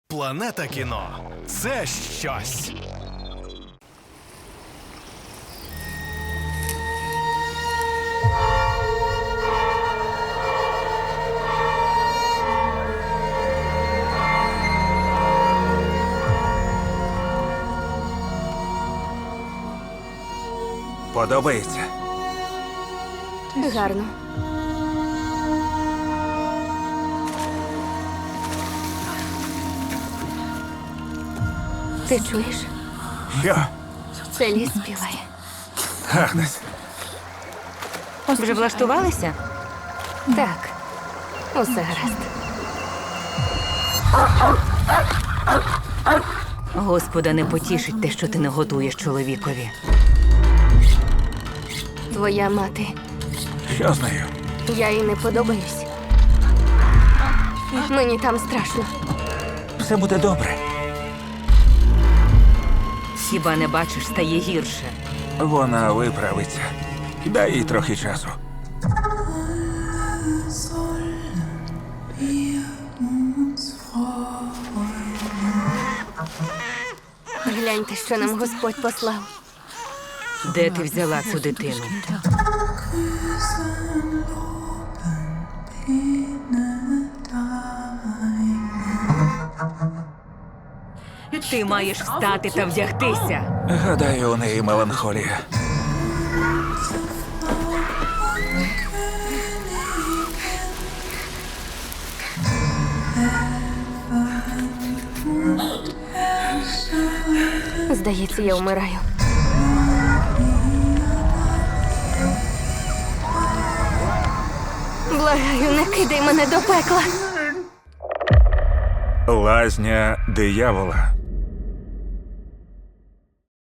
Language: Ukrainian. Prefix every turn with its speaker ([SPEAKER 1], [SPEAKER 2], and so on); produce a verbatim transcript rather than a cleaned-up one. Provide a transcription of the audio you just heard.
[SPEAKER 1] Планета кіно – це щось.
[SPEAKER 2] Подобається?
[SPEAKER 3] Гарно. Ти чуєш?
[SPEAKER 2] Що?
[SPEAKER 3] Це ліс співає.
[SPEAKER 2] Агнес,
[SPEAKER 4] Вже влаштувалися?
[SPEAKER 3] Так, усе гаразд.
[SPEAKER 4] Господа не потішить те, що ти не готуєш чоловікові.
[SPEAKER 3] Твоя мати.
[SPEAKER 2] що з нею?
[SPEAKER 3] Я їй не подобаюсь. Мені там страшно.
[SPEAKER 2] Все буде добре.
[SPEAKER 4] Хіба не бачиш, стає гірше.
[SPEAKER 2] Вона виправиться. Дай їй трохи часу.
[SPEAKER 3] Гляньте, що нам Господь послав.
[SPEAKER 4] Де ти взяла цю дитину? Ти маєш встати та вдягтися.
[SPEAKER 2] Гадаю, у неї меланхолія.
[SPEAKER 3] Здається, я вмираю. Благаю, не кидай мене до пекла.
[SPEAKER 2] Лазня диявола.